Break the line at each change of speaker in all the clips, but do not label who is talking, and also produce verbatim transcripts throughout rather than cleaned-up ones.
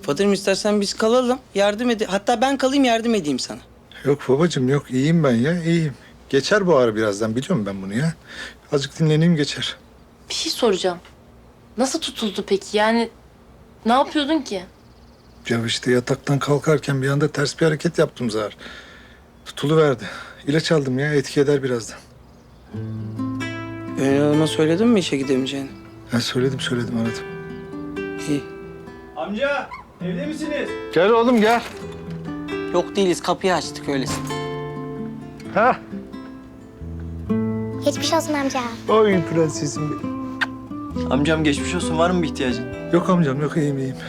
Kapadırım, istersen biz kalalım. Yardım ede. Hatta ben kalayım, yardım edeyim sana.
Yok babacığım yok, iyiyim ben ya, iyiyim. Geçer bu ağrı birazdan, biliyorum ben bunu ya. Azıcık dinleneyim geçer.
Bir şey soracağım. Nasıl tutuldu peki? Yani ne yapıyordun ki?
Ya işte yataktan kalkarken bir anda ters bir hareket yaptım Zahar. Tutuluverdi. İlaç aldım ya, etki eder birazdan.
Gönül Hanım'a söyledin mi işe gidemeyeceğini?
Ben söyledim söyledim aradım.
İyi.
Amca, evde misiniz?
Gel oğlum gel.
Yok değiliz, kapıyı açtık öylesine.
Ha?
Geçmiş olsun amca.
Oy prensesim benim.
Amcam geçmiş olsun. Var mı bir ihtiyacın?
Yok amcam yok, iyiyim iyiyim.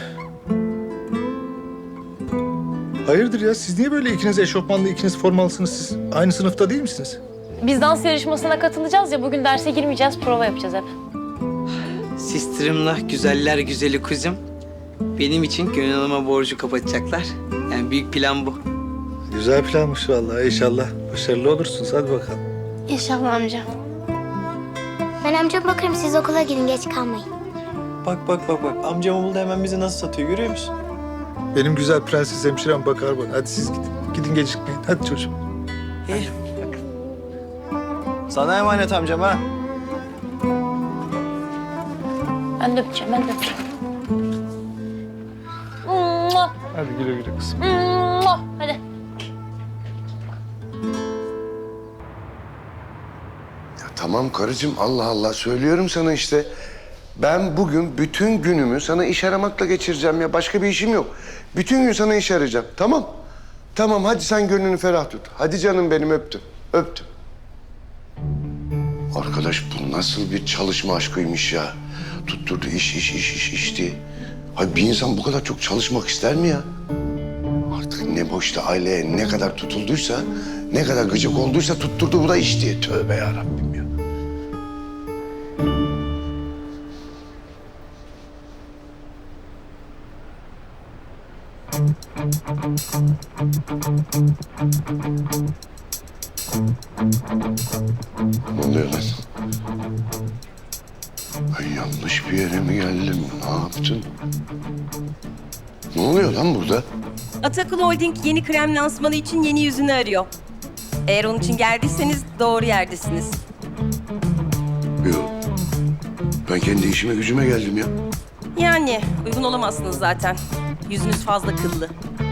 Hayırdır ya, siz niye böyle ikiniz eşofmanlı, ikiniz formalsınız siz? Aynı sınıfta değil misiniz?
Biz dans yarışmasına katılacağız ya, bugün derse girmeyeceğiz, prova yapacağız hep.
Sistirimla güzeller güzeli kuzum. Benim için Gönül Hanım'a borcu kapatacaklar. Yani büyük plan bu.
Güzel planmış vallahi, inşallah. Başarılı olursunuz, hadi bakalım.
İnşallah amca. Ben amcama bakarım, siz okula gidin, geç kalmayın.
Bak bak bak bak. Amcam buldu, hemen bizi nasıl satıyor, görüyor musun?
Benim güzel prenses hemşirem bakar bana. Hadi siz gidin. Gidin gecikmeyin. Hadi çocuğum.
İyi.
Sana emanet amcam ha.
Ben de öpeceğim, ben de öpeceğim. Mua,
Hadi güle güle kızım.
mua. Hadi.
Ya tamam karıcığım, Allah Allah söylüyorum sana işte. Ben bugün bütün günümü sana iş aramakla geçireceğim ya. Başka bir işim yok. Bütün gün sana iş arayacağım. Tamam. Tamam hadi sen gönlünü ferah tut. Hadi canım benim, öptüm. Öptüm. Arkadaş bu nasıl bir çalışma aşkıymış ya. Tutturdu iş iş iş iş iş diye. Hayır bir insan bu kadar çok çalışmak ister mi ya? Artık ne boşta aileye ne kadar tutulduysa, ne kadar gıcık olduysa tutturdu bu da iş diye. Tövbe yarabbim ya. Ne oluyor lan? Ay yanlış bir yere mi geldim? Ne yaptım? Ne oluyor lan burada?
Atakul Holding yeni krem lansmanı için yeni yüzünü arıyor. Eğer onun için geldiyseniz doğru yerdesiniz.
Yok. Ben kendi işime gücüme geldim ya.
Yani uygun olamazsınız zaten. Yüzünüz fazla kıllı.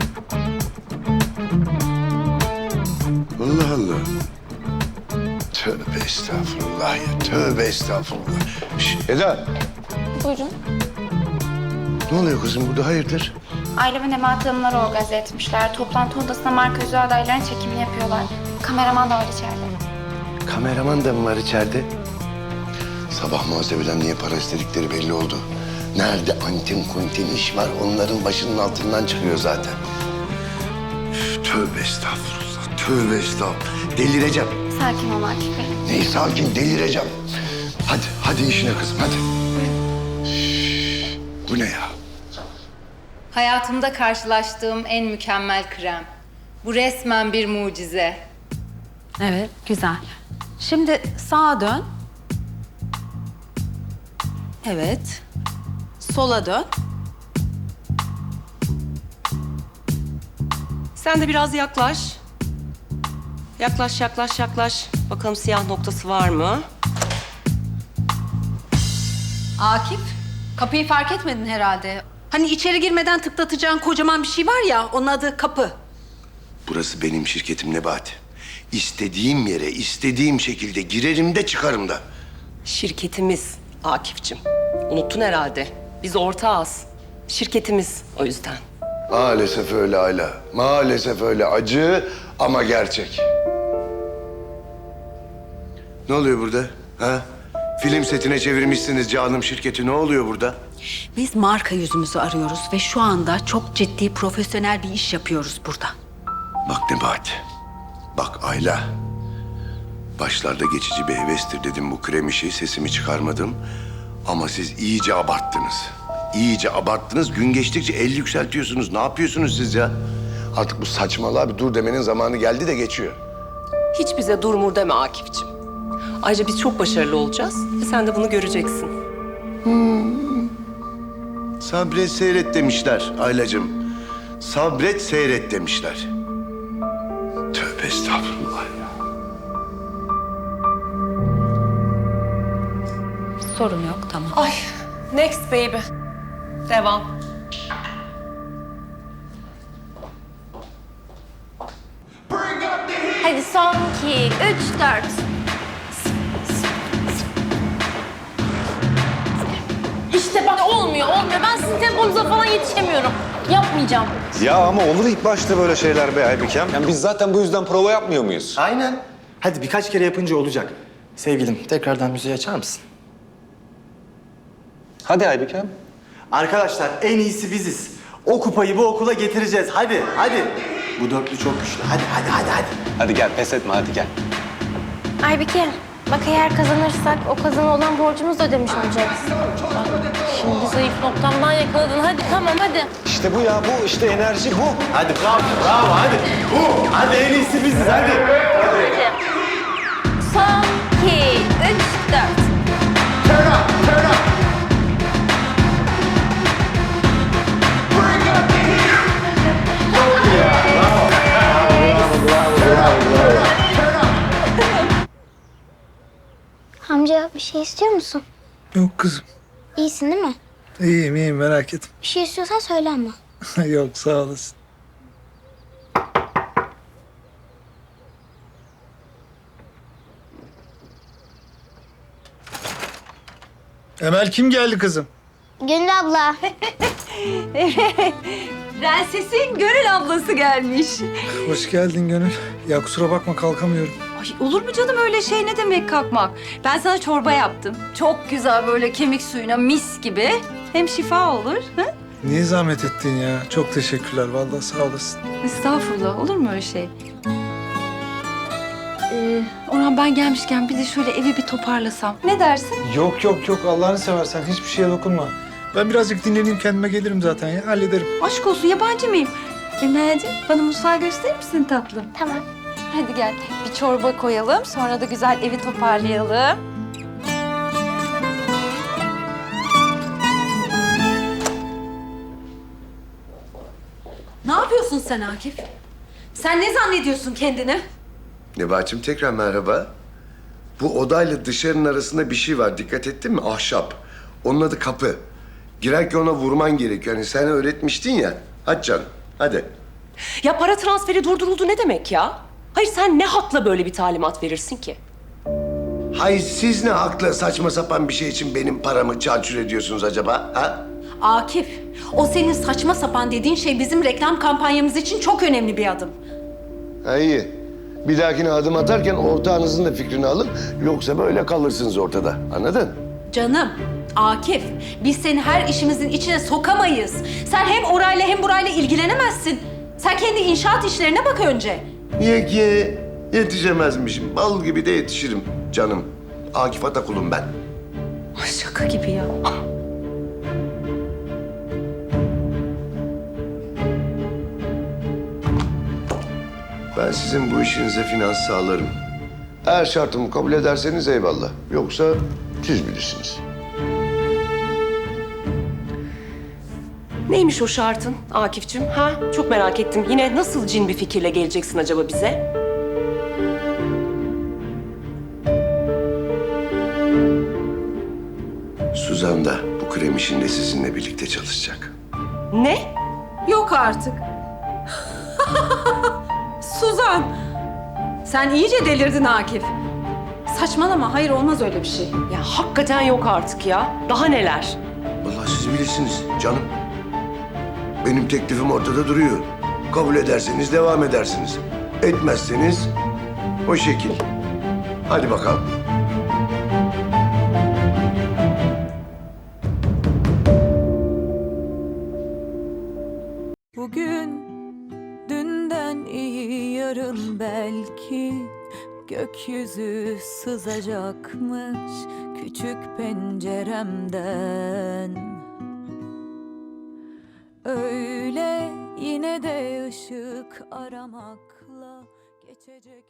Allah Allah. Tövbe estağfurullah ya. Tövbe estağfurullah. Şş, Eda.
Buyurun.
Ne oluyor kızım burada, hayırdır?
Aile ve Nebahat Hanımları organize etmişler. Toplantı odasında marka yüzü adaylarının çekimini yapıyorlar. Kameraman da var içeride.
Kameraman da mı var içeride? Sabah muhasebeden niye para istedikleri belli oldu. Nerede antin kuntin iş var onların başının altından çıkıyor zaten. Üf, tövbe estağfurullah, tövbe estağfurullah. Delireceğim.
Sakin ol Akif Bey.
Neyi sakin, delireceğim. Hadi, hadi işine kızım, hadi. Üf, bu ne ya?
Hayatımda karşılaştığım en mükemmel krem. Bu resmen bir mucize.
Evet, güzel. Şimdi sağa dön. Evet. Sola dön.
Sen de biraz yaklaş. Yaklaş, yaklaş, yaklaş. Bakalım siyah noktası var mı?
Akif, kapıyı fark etmedin herhalde. Hani içeri girmeden tıklatacağın kocaman bir şey var ya, onun adı kapı.
Burası benim şirketim Nebati. İstediğim yere, istediğim şekilde girerim de çıkarım da.
Şirketimiz Akif'cim. Unuttun herhalde. Biz ortağız. Şirketimiz o yüzden.
Maalesef öyle Ayla. Maalesef öyle. Acı ama gerçek. Ne oluyor burada? Ha? Film setine çevirmişsiniz canım şirketi. Ne oluyor burada?
Biz marka yüzümüzü arıyoruz ve şu anda çok ciddi, profesyonel bir iş yapıyoruz burada.
Bak Nebati. Bak Ayla. Başlarda geçici bir hevestir dedim bu krem işi. Sesimi çıkarmadım. Ama siz iyice abarttınız. İyice abarttınız. Gün geçtikçe el yükseltiyorsunuz. Ne yapıyorsunuz siz ya? Artık bu saçmalığa bir dur demenin zamanı geldi de geçiyor.
Hiç bize durmur deme Akif'cim. Ayrıca biz çok başarılı olacağız ve sen de bunu göreceksin.
Sabret seyret demişler Aylacığım. Sabret seyret demişler. Tövbe estağfurullah ya.
Sorun yok, tamam.
Ay, next baby. Devam.
Hadi son iki, üç, dört. İşte bak olmuyor, olmuyor. Ben sizin temponuza falan yetişemiyorum. Yapmayacağım.
Ya ama olur ilk başta böyle şeyler be Aybükem. Yani biz zaten bu yüzden prova yapmıyor muyuz?
Aynen. Hadi birkaç kere yapınca olacak. Sevgilim, tekrardan müziği açar mısın?
Hadi Aybükem.
Arkadaşlar en iyisi biziz. O kupayı bu okula getireceğiz. Hadi, hadi. Bu dörtlü çok güçlü. Hadi, hadi, hadi, hadi.
Hadi gel pes etme hadi gel.
Aybike, bak eğer kazanırsak o kazana olan borcumuzu da ödemiş olacağız.
Şimdi zayıf noktamdan yakaladın. Hadi tamam hadi.
İşte bu ya bu işte enerji bu.
Hadi bravo, bravo, hadi. Bu, hadi en iyisi biziz, hadi.
Hadi. Son iki, üç, dört.
Turn up, turn up. Bring up the heat.
Bravo, bravo, bravo, bravo.
Amca bir şey istiyor musun?
Yok kızım.
İyisin değil mi?
İyiyim, iyiyim merak etme.
Bir şey istiyorsan söyle ama.
Yok sağ olasın. Emel kim geldi kızım?
Gönül abla.
Prensesin Gönül ablası gelmiş.
Hoş geldin Gönül. Ya kusura bakma kalkamıyorum.
Ay, olur mu canım öyle şey, ne demek kalkmak? Ben sana çorba yaptım. Çok güzel böyle kemik suyuna mis gibi. Hem şifa olur. Hı?
Niye zahmet ettin ya? Çok teşekkürler vallahi sağ olasın.
Estağfurullah, olur mu öyle şey? Ee, Orhan ben gelmişken bir de şöyle evi bir toparlasam. Ne dersin?
Yok yok yok Allah'ını seversen hiçbir şeye dokunma. Ben birazcık dinleneyim kendime gelirim zaten ya hallederim.
Aşk olsun, yabancı mıyım? Emel'ciğim bana mutfağı gösterir misin tatlım?
Tamam.
Hadi gel bir çorba koyalım, sonra da güzel evi toparlayalım. Ne yapıyorsun sen Akif? Sen ne zannediyorsun kendini?
Nebahat'cığım tekrar merhaba. Bu odayla dışarının arasında bir şey var. Dikkat ettin mi? Ahşap. Onun adı kapı. Girerken ona vurman gerekiyor. Hani sen öğretmiştin ya. Hadi canım, hadi.
Ya para transferi durduruldu ne demek ya? Hayır sen ne hakla böyle bir talimat verirsin ki?
Hay siz ne hakla saçma sapan bir şey için benim paramı çarçur ediyorsunuz acaba? Ha?
Akif, o senin saçma sapan dediğin şey bizim reklam kampanyamız için çok önemli bir adım.
Ha iyi. Bir dahakine adım atarken ortağınızın da fikrini alın. Yoksa böyle kalırsınız ortada. Anladın?
Canım, Akif, biz seni her işimizin içine sokamayız. Sen hem orayla hem burayla ilgilenemezsin. Sen kendi inşaat işlerine bak önce.
Ye ki yetişemezmişim. Bal gibi de yetişirim canım. Akif Atakul'um ben.
Ay şaka gibi ya.
Ben sizin bu işinize finans sağlarım. Eğer şartımı kabul ederseniz eyvallah. Yoksa siz bilirsiniz.
Neymiş o şartın Akif'cim? Ha? Çok merak ettim. Yine nasıl cin bir fikirle geleceksin acaba bize?
Suzan da bu krem işinde sizinle birlikte çalışacak.
Ne?
Yok artık. Suzan, sen iyice delirdin Akif. Saçmalama, hayır olmaz öyle bir şey.
Ya hakikaten yok artık ya. Daha neler?
Vallahi siz bilirsiniz canım. Benim teklifim ortada duruyor. Kabul ederseniz devam edersiniz. Etmezseniz o şekil. Hadi bakalım.
Bugün dünden iyi yarın belki gökyüzü sızacakmış küçük penceremden. Öyle yine de ışık aramakla geçecek.